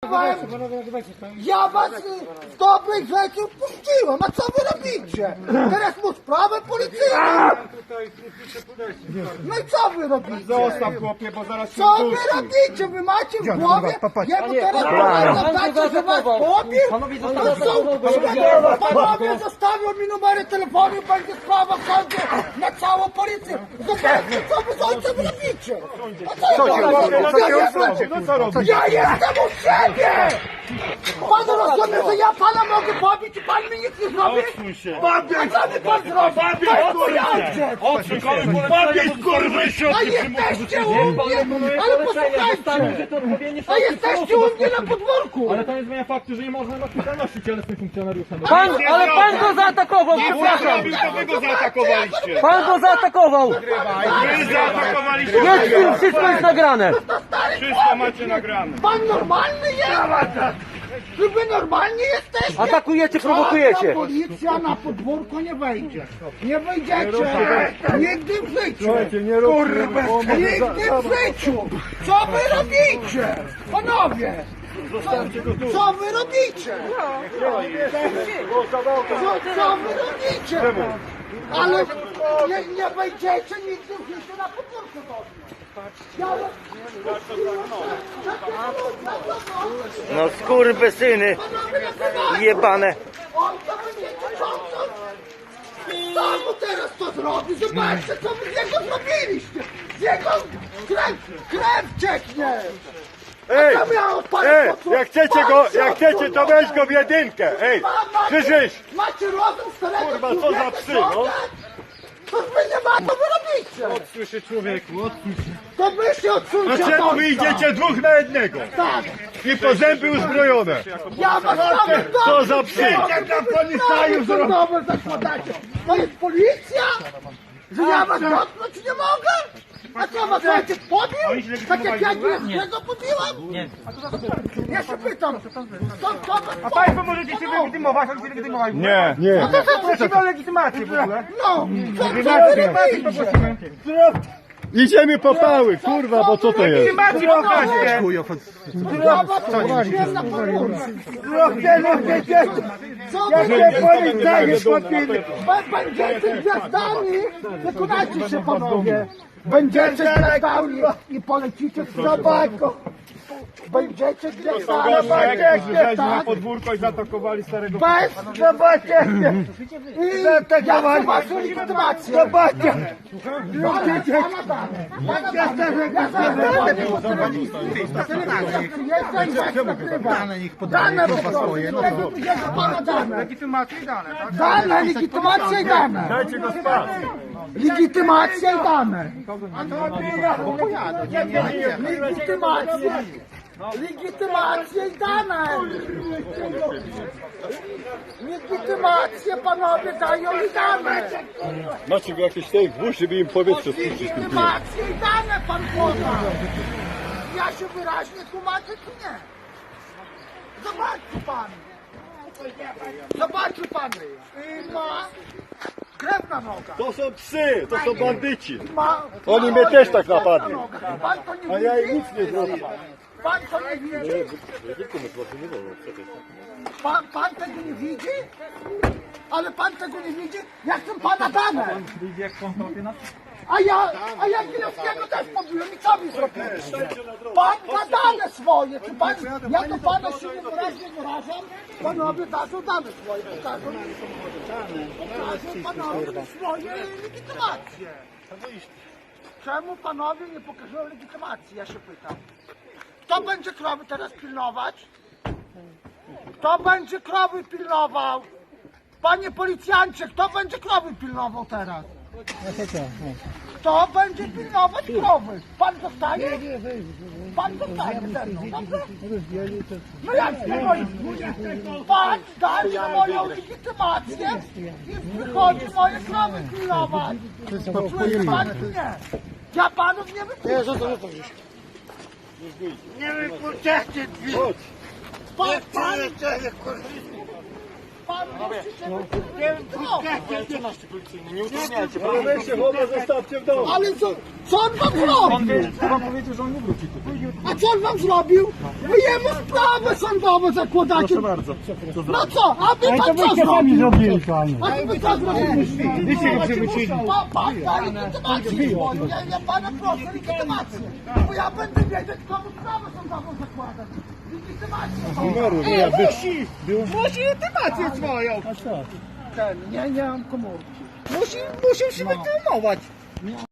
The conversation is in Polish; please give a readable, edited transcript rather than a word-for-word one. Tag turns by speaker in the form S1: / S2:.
S1: Ja was z dobrych rzeczy puściłem, a co wy robicie? Teraz mu sprawę policyjną. No i co wy robicie?
S2: Zostaw chłopie, bo zaraz się
S1: Co wy
S2: dusi.
S1: robicie? Wy macie w głowie? Ja mu teraz powiem, że was pobił? Panowie zostawią mi numery telefonu, będzie sprawa w sądzie na całą policję. Zobaczcie, co wy z ojcem robicie. A co ja robię? Ja jestem u siebie! Pan rozumie, że ja pana mogę pobić i pan mi nic nie zrobi? A co mi pan zrobi? To jest mój ojciec!
S2: Powiedz kurwy się!
S1: A jesteście u mnie! Ale posłuchajcie! A jesteście u mnie na podwórku!
S3: Ale to nie zmienia faktu, że nie można odpowiedzialności cielesnej funkcjonariusza.
S4: Ale pan go zaatakował, przepraszam!
S2: To wy go zaatakowaliście!
S4: Pan go zaatakował!
S2: Wy zaatakowaliście!
S4: Jest film, wszystko jest nagrane!
S2: Wszystko macie nagrane!
S1: Pan normalny jest! Czy wy normalni jesteście?
S4: Atakujecie, prowokujecie!
S1: Żadna policja na podwórko nie wejdzie. Nie wejdziecie. Nigdy w życiu. Nigdy w życiu. Co wy robicie? Panowie. Co wy robicie? Co wy robicie? Ale nie wejdziecie nigdy w życiu na podwórko do mnie.
S4: No skurwysyny jebane!
S1: On to będziecie ciągnąć? Co mu teraz to zrobi? Zobaczcie, co wy z niego zrobiliście! Z jego krew cieknie!
S2: Ej!
S1: A co miało pan
S2: Jak chcecie, to weź go w jedynkę! Ej! Krzyżyś!
S1: Macie rozum starego
S2: Kurwa, co za psy, no?
S1: To wy nie ma, co wy robicie!
S2: Słyszy człowieku,
S1: To wy się odsuńcie
S2: a czemu
S1: od
S2: wy
S1: ojca.
S2: idziecie dwóch na jednego?
S1: Tak!
S2: I po zęby uzbrojone!
S1: Ja was nawet
S2: Co za psy?
S1: Nowe zakładacie! To jest policja? Że ja was dotknąć nie mogę? A co was ojciec pobił? Tak jak ja Gierskiego pobiłam? Nie. Ja się pytam, co was
S3: A państwo możecie się legitymować, jak się legitymować?
S2: Nie, nie.
S3: No to co prosimy o legitymację w ogóle?
S1: No, co wy robicie?
S2: Idziemy po pały, kurwa, bo co to jest?
S3: Legitymację pokażcie!
S1: Ja was pobiłem na podwórku. Co wy robicie? Będziecie gwiazdami, wykonajcie się panowie. Będziecie gwiazdami i polecicie w zobaczko. Będziecie gwiazdami.
S2: Żeśmy na podwórko i zaatakowali starego...
S1: Bez zobaczenia. I ja chcę waszą legitymację. Zobaczcie. Dane swoje.
S3: Legitymację i dane, tak?
S1: Dane, legitymacja i dane.
S2: Dajcie go spać!
S1: Legitymacja i dane. Legitymacja i dane. Legitymację panowie dają i dane.
S2: Macie go jakieś tej włóż, żeby im powietrze spuścić.
S1: Legitymację i dane pan poda. Ja się wyraźnie tłumaczę czy nie? Zobaczcie pan. Zobaczcie pan. Ma krew na nogach.
S2: To są psy, to są bandyci.
S1: Ma,
S2: Oni mnie też tak napadli.
S1: Pan to nie
S2: A ja
S1: widzi?
S2: im nic nie zrobię.
S1: Pan to nie widzi? Pan tego nie widzi? Ale pan tego nie widzi? Ja chcę pana dane! A ja Gilewskiego też pobiłem i co mi zrobiłem? Pan ma dane swoje! Czy pan, ja do pana się nie wyraźnie wyrażam? Panowie dadzą dane swoje, pokażą panowie swoje legitymacje. Czemu panowie nie pokażą legitymacji? Ja się pytam. Kto będzie krowy teraz pilnować? Kto będzie krowy pilnował? Panie policjancie, kto będzie krowy pilnował teraz? Kto będzie pilnować krowy? Pan zostaje? Pan zostaje ze mną, dobrze? No jak nie pan daje moją legitymację i wychodzi moje krowy pilnować. Czuje pan czy nie? Ja panów nie wypuszczę. Nie wypuszczacie drzwi. Pan, pan właściciel...
S2: Ale weź się chowa, zostawcie w domu.
S1: Ale co on wam zrobił?
S3: Pan powiedział, że on nie wróci tutaj.
S1: A co on wam zrobił? Wy jemu sprawę sądową zakładacie.
S3: Proszę bardzo.
S1: No co? A wy pan co zrobił?
S3: zrobili, panie.
S1: A wy co zrobiliście?
S3: Wyście go przywrócili.
S1: Pan da legitymację swoją. Ja pana proszę legitymację. Bo ja będę wiedzieć, komu sprawę sądową zakładać. Legitymację.
S3: Musi legitymację swoją.
S1: Nie mam komórki.
S3: Musi się legitymować.